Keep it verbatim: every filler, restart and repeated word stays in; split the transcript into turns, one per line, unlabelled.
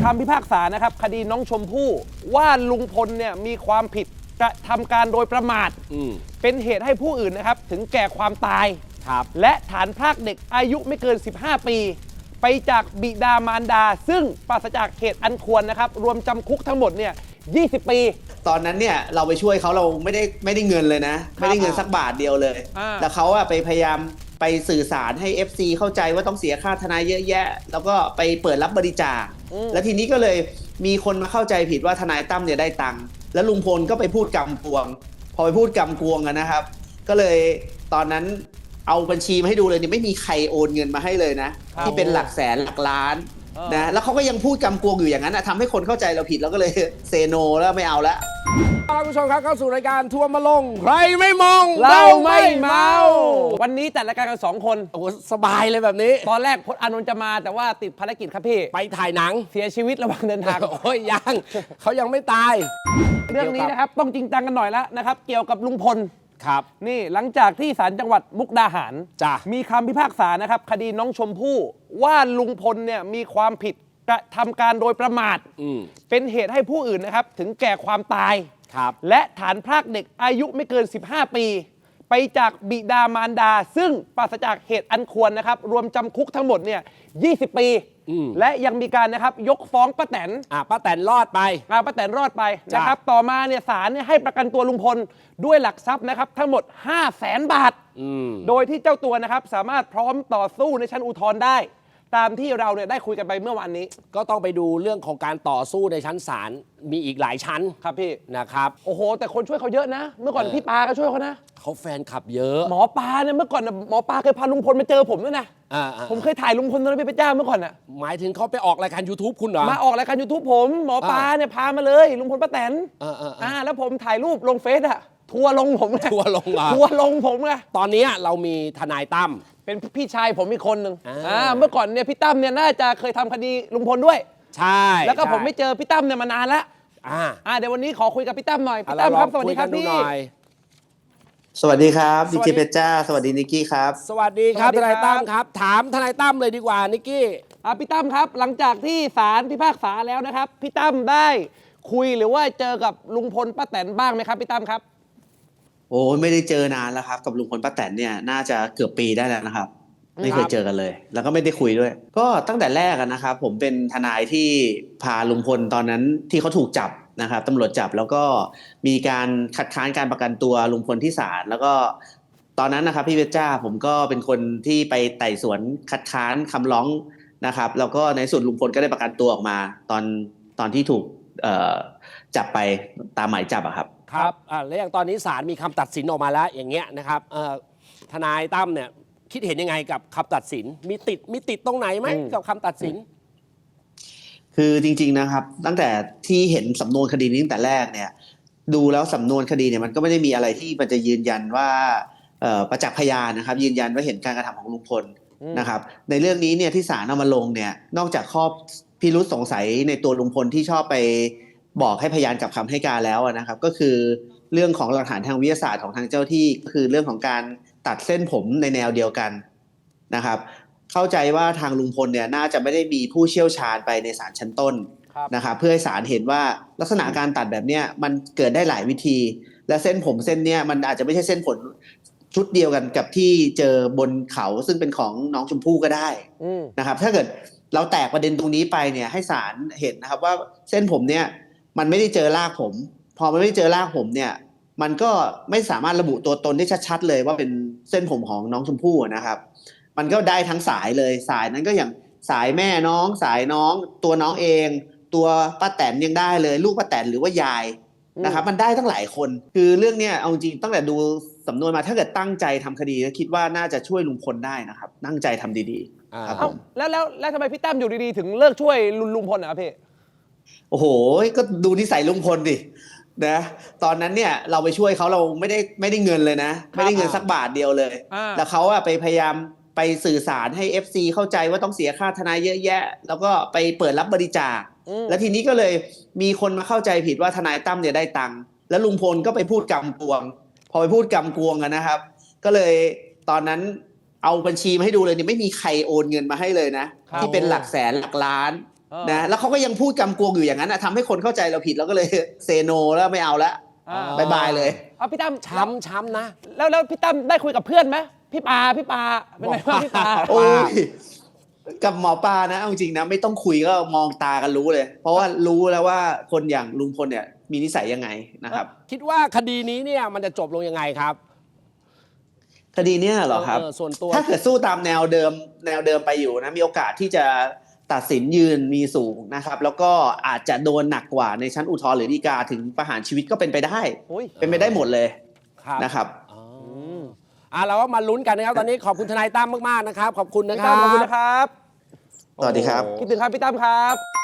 คำพิพากษานะครับคดีน้องชมพู่ว่าลุงพลเนี่ยมีความผิดกระทำการโดยประมาทเป็นเหตุให้ผู้อื่นนะครับถึงแก่ความตายและฐานพรากเด็กอายุไม่เกินสิบห้าปีไปจากบิดามารดาซึ่งปราศจากเหตุอันควรนะครับรวมจำคุกทั้งหมดเนี่ยยี่สิบปี
ตอนนั้นเนี่ยเราไปช่วยเขาเราไม่ได้ไม่ได้เงินเลยนะไม่ได้เงินสักบาทเดียวเลยแล้วเขาอะไปพยายามไปสื่อสารให้ เอฟ ซี เข้าใจว่าต้องเสียค่าทนายเยอะแยะแล้วก็ไปเปิดรับบริจาคแล้วทีนี้ก็เลยมีคนมาเข้าใจผิดว่าทนายตั้มเนี่ยได้ตังค์แล้วลุงพลก็ไปพูดกำกวงพอไปพูดกำกวงกันนะครับก็เลยตอนนั้นเอาบัญชีมาให้ดูเลยเนี่ยไม่มีใครโอนเงินมาให้เลยนะที่เป็นหลักแสนหลักล้านนะแล้วเขาก็ยังพูดกำกวงอยู่อย่างนั้นทำให้คนเข้าใจเราผิดแล้วก็เลยเซโนแล้วไม่เอาละ
คุณผู้ชมครับเข้าสู่รายการทัวร์มาลงใครไม่มอง
เราไม่เมาวันนี้จัดรายการกันสองคน
โอ้สบายเลยแบบนี้
ตอนแรกพจน์อานนท์จะมาแต่ว่าติดภารกิจครับพี่
ไปถ่ายหนัง
เสียชีวิตระหว่างเดินทาง
โอ้ยยังเขายังไม่ตาย
เรื่องนี้นะครับต้องจริงจังกันหน่อยแล้วนะครับเกี่ยวกับลุงพล
ครับ
นี่หลังจากที่ศาลจังหวัดมุกดาหารมีคำพิพากษานะครับคดีน้องชมพู่ว่าลุงพลเนี่ยมีความผิดกระทำการโดยประมาทเป็นเหตุให้ผู้อื่นนะครับถึงแก่ความตายและฐานพรากเด็กอายุไม่เกินสิบห้าปีไปจากบิดามารดาซึ่งปราศจากเหตุอันควรนะครับรวมจำคุกทั้งหมดเนี่ยยี่สิบปีและยังมีการนะครับยกฟ้องป้าแตน
อ่าป้าแตนรอดไป
อ่าป้าแตนรอดไปนะครับต่อมาเนี่ยศาลเนี่ยให้ประกันตัวลุงพลด้วยหลักทรัพย์นะครับทั้งหมดห้าแสนบาทโดยที่เจ้าตัวนะครับสามารถพร้อมต่อสู้ในชั้นอุทธรณ์ได้ตามที่เราเนี่ยได้คุยกันไปเมื่อวานนี้
ก็ต้องไปดูเรื่องของการต่อสู้ในชั้นศาลมีอีกหลายชั้น
ครับพี่
นะครับ
โอ้โหแต่คนช่วยเขาเยอะนะเมื่อก่อนพี่ปาก็ช่วยเขานะ
เขาแฟนคลับเยอะ
หมอปลาเนี่ยเมื่อก่อนหมอปลาเคยพาลุงพลมาเจอผมด้วยนะผมเคยถ่ายลุงพลตอนเป็นพระเจ้าเมื่อก่อนอ่ะ
หมายถึงเขาไปออกรายการ YouTube คุณเหรอ
มาออกรายการ YouTube ผมหมอปลาเนี่ยพามาเลยลุงพลป้าแตนอ่าแล้วผมถ่ายรูปลงเฟซอ่ะทัวลงผมไง
ทัวลง
ทัวลงผมไง
ตอนนี้เรามีทนายตั้ม
เป็นพี่ชายผมอีกคนหนึ่งอ่าเมื่อก่อนเนี่ยพี่ตั้มเนี่ยน่าจะเคยทำคดีลุงพลด้วย
ใช่
แล้วก็ผมไม่เจอพี่ตั้มเนี่ยมานานแล้วอ่าอ่าเดี๋ยววันนี้ขอคุยกับพี่ตั้มหน่อยพี่ตั้มครับสวัสดีครับพี่
สวัสดีครับดีเจเพชรจ้าสวัสดีนิกกี้ครับ
สวัสดีครับทนายตั้มครับถามทนายตั้มเลยดีกว่านิกกี้
อ่าพี่ตั้มครับหลังจากที่ศาลพิพากษาแล้วนะครับพี่ตั้มได้คุยหรือว่าเจอกับลุงพลป้าแตนบ้างไหมครับพี่ตั้มครับ
โอ้ไม่ได้เจอนานแล้วครับกับลุงพลป้าแตนเนี่ยน่าจะเกือบปีได้แล้วนะครับไม่เคยเจอกันเลยแล้วก็ไม่ได้คุยด้วยก็ตั้งแต่แรกนะครับผมเป็นทนายที่พาลุงพลตอนนั้นที่เขาถูกจับนะครับตำรวจจับแล้วก็มีการคัดค้านการประกันตัวลุงพลที่ศาลแล้วก็ตอนนั้นนะครับพี่เวชจ้าผมก็เป็นคนที่ไปไต่สวนคัดค้านคำร้องนะครับแล้วก็ในสุดลุงพลก็ได้ประกันตัวออกมาตอนตอนที่ถูกจับไปตามหมายจับอะครับ
ครับอ่าแล้วอย่างตอนนี้ศาลมีคำตัดสินออกมาแล้วอย่างเงี้ยนะครับทนายตั้มเนี่ยคิดเห็นยังไงกับคำตัดสินมีติดมีติดตรงไหนไหมกับคำตัดสิน
คือจริงๆนะครับตั้งแต่ที่เห็นสำนวนคดีนี้ตั้งแต่แรกเนี่ยดูแล้วสำนวนคดีเนี่ยมันก็ไม่ได้มีอะไรที่มันจะยืนยันว่าประจักษ์พยานนะครับยืนยันว่าเห็นการกระทำของลุงพลนะครับในเรื่องนี้เนี่ยที่ศาลเอามาลงเนี่ยนอกจากข้อพิรุษสงสัยในตัวลุงพลที่ชอบไปบอกให้พยานกลับคำให้การแล้วนะครับก็คือเรื่องของหลักฐานทางวิทยาศาสตร์ของทางเจ้าที่ก็คือเรื่องของการตัดเส้นผมในแนวเดียวกันนะครับเข้าใจว่าทางลุงพลเนี่ยน่าจะไม่ได้มีผู้เชี่ยวชาญไปในศาลชั้นต้นนะครับเพื่อให้ศาลเห็นว่าลักษณะการตัดแบบเนี้ยมันเกิดได้หลายวิธีและเส้นผมเส้นเนี้ยมันอาจจะไม่ใช่เส้นผมชุดเดียวกันกับที่เจอบนเขาซึ่งเป็นของน้องชมพู่ก็ได้นะครับถ้าเกิดเราแตกประเด็นตรงนี้ไปเนี่ยให้ศาลเห็นนะครับว่าเส้นผมเนี่ยมันไม่ได้เจอรากผมพอมันไม่ได้เจอรากผมเนี่ยมันก็ไม่สามารถระบุตัวตนได้ชัดๆเลยว่าเป็นเส้นผมของน้องชมพู่นะครับมันก็ได้ทั้งสายเลยสายนั้นก็อย่างสายแม่น้องสายน้องตัวน้องเองตัวป้าแตนยังได้เลยลูกป้าแตนหรือว่ายายนะครับมันได้ทั้งหลายคนคือเรื่องเนี้ยเอาจริงตั้งแต่ดูสำนวนมาถ้าเกิดตั้งใจทำคดีคิดว่าน่าจะช่วยลุงพลได้นะครับตั้งใจทำดีๆครับผม
แล้วแล้วแล้วทำไมพี่ตั้มอยู่ดีๆถึงเลิกช่วยลุงพลอ่ะพี่
โอ้โหก็ดูนิสัยลุงพลดินะตอนนั้นเนี่ยเราไปช่วยเขาเราไม่ได้ไม่ได้เงินเลยนะไม่ได้เงินสักบาทเดียวเลยแล้วเขาอะไปพยายามไปสื่อสารให้ เอฟ ซี เข้าใจว่าต้องเสียค่าทนายเยอะแยะแล้วก็ไปเปิดรับบริจาคแล้วทีนี้ก็เลยมีคนมาเข้าใจผิดว่าทนายตั้มเนี่ยได้ตังค์แล้วลุงพลก็ไปพูดกำกวงพอไปพูดกำกวงกันนะครับก็เลยตอนนั้นเอาบัญชีมาให้ดูเลยเนี่ยไม่มีใครโอนเงินมาให้เลยนะที่เป็นหลักแสนหลักล้าน
เออ
นะแล้วเขาก็ยังพูดกำกวงอยู่อย่างนั้นนะทำให้คนเข้าใจเราผิดเราก็เลยเซโนแล้วไม่เอาละ
อ่า
บายบายเลย
เอาพี่ตั้ม
ช้ำช้ำนะ
แล้วแล้วพี่ตั้มได้คุยกับเพื่อนไหมพี่ปาพี่ปาเป็นไงบ้างพี่ปา
โอ้ยกับหมอปลานะเอาจริงนะไม่ต้องคุยก็มองตากันรู้เลย เพราะว่ารู้แล้วว่าคนอย่างลุงพลเนี่ยมีนิสัยยังไงนะครับ
คิดว่าคดีนี้เนี่ยมันจะจบลงยังไงครับ
คดีเนี้ยเหรอครับ
เออส่วนตัว
ถ้าเกิดสู้ตามแนวเดิมแนวเดิมไปอยู่นะมีโอกาสที่จะตัดสินยืนมีสูงนะครับ แล้วก็อาจจะโดนหนักกว่าในชั้นอุทธรณ์หรือฎีกาถึงประหารชีวิตก็เป็นไปได้
โอ้ย
เป็นไปได้หมดเลย
ครับ
นะครับ
อ๋ออ่าเราก็มาลุ้นกันนะครับ ตอนนี้ขอบคุณทนายตั้มมากๆนะครับ ขอบคุณนะ
พี่
ครั
ตั้
บ
มขอบคุณนะครับ
สวัสดีครับ
คิดถึงครับพี่ตั้มครับ